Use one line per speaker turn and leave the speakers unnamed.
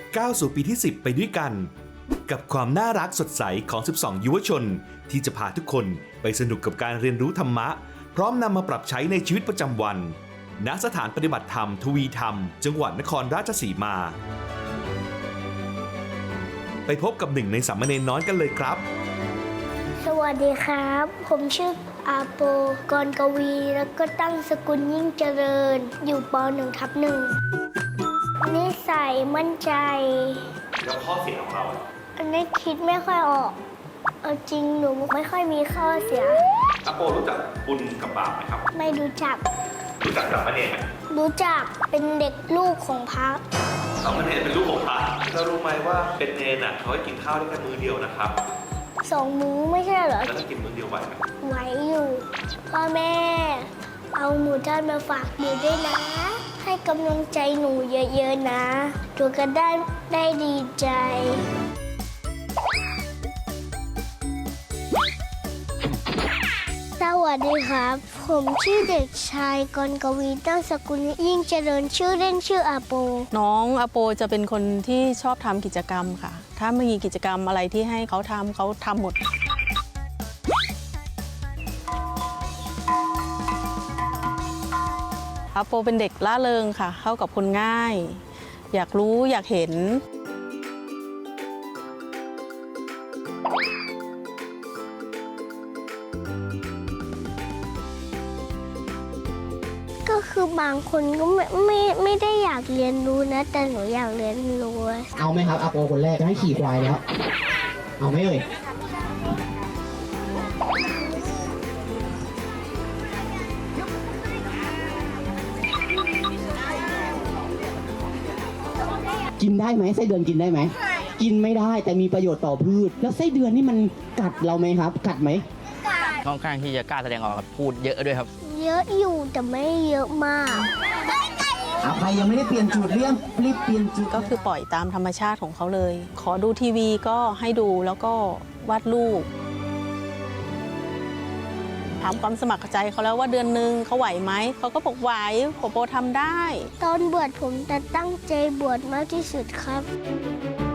ก้าวสู่ปีที่ 10 ไปด้วยกัน กับความน่ารักสดใสของ 12 ยุวชน ที่จะพาทุกคนไปสนุกกับการเรียนรู้ธรรมะ พร้อมนำมาปรับใช้ในชีวิตประจำวัน ณ สถานปฏิบัติธรรมทวีธรรม จังหวัดนครราชสีมา ไปพบกับหนึ่งในสามเณรน้อยกันเลยครับ
สวัสดีครับ ผมชื่ออาโปกรกวี แล้วก็ตั้งสกุลยิ่งเจริญ อยู่ป .1/1 นิสัยมั่นใจ
แล้วข้อเสียของเรา
อันนี้คิดไม่ค่อยออก เอาจริงหนูไม่ค่อยมีข้อเสีย
อาโปรู้จักบุญกับบาปไหมครับ
ไม่รู้จัก
รู้จักสามเณรไหม
รู้จักเป็นเด็กลูกของพระ
สามเณรเป็นลูกของพระเรารู้ไหมว่าเป็นเนรน่ะเขาให้กินข้าวได้แค่มื้อเดียวนะครับ
2 มื้อไม่ใช่เหรอ
แล้วถ้ากินมื้อเดียวไหวไหม
ไหวอยู่ พ่อแม่ เอาหมูทอดมาฝากหนูด้วยนะ ให้กำลังใจหนูเยอะๆนะตัวก็ได้ดีใจ สวัสดีครับ ผมชื่อเด็กชายกรกวีตั้งสกุลยิ่งเจริญชื่อเล่นชื่ออาโป
น้องอโปจะเป็นคนที่ชอบทำกิจกรรมค่ะ ถ้ามีกิจกรรมอะไรที่ให้เขาทำหมด อโปเป็นเด็กล่าเริงค่ะ เข้ากับคนง่าย อยากรู้อยากเห็น
ก็คือบางคนก็ไม่ได้อยากเรียนรู้นะ แต่หนูอยากเรียนรู้
เอาไหมครับอาโปคนแรกจะให้ขี่ควายแล้ว เอาไหมเอ่ยกินได้ไหมไส้เดือนกินได้ไหมกินไม่ได้แต่มีประโยชน์ต่อพืช แล้วไส้เดือนนี่มันกัดเราไหมครับ กัดไหม
ค่อนข้างที่จะกล้าแสดงออกครับพูดเยอะด้วยครับ
เยอะอยู่แต่ไม่เยอะมาก
เอาใครยังไม่ได้เปลี่ยนจุดรีบเปลี่ยนจุด
ก็คือปล่อยตามธรรมชาติของเขาเลย ขอดูทีวีก็ให้ดูแล้วก็วาดรูปถามความสมัครใจเขาแล้วว่าเดือนหนึ่งเขาไหวไหม เขาก็บอกไหวโปทำได้
ตอนบวชผมจะตั้งใจบวชมากที่สุดครับ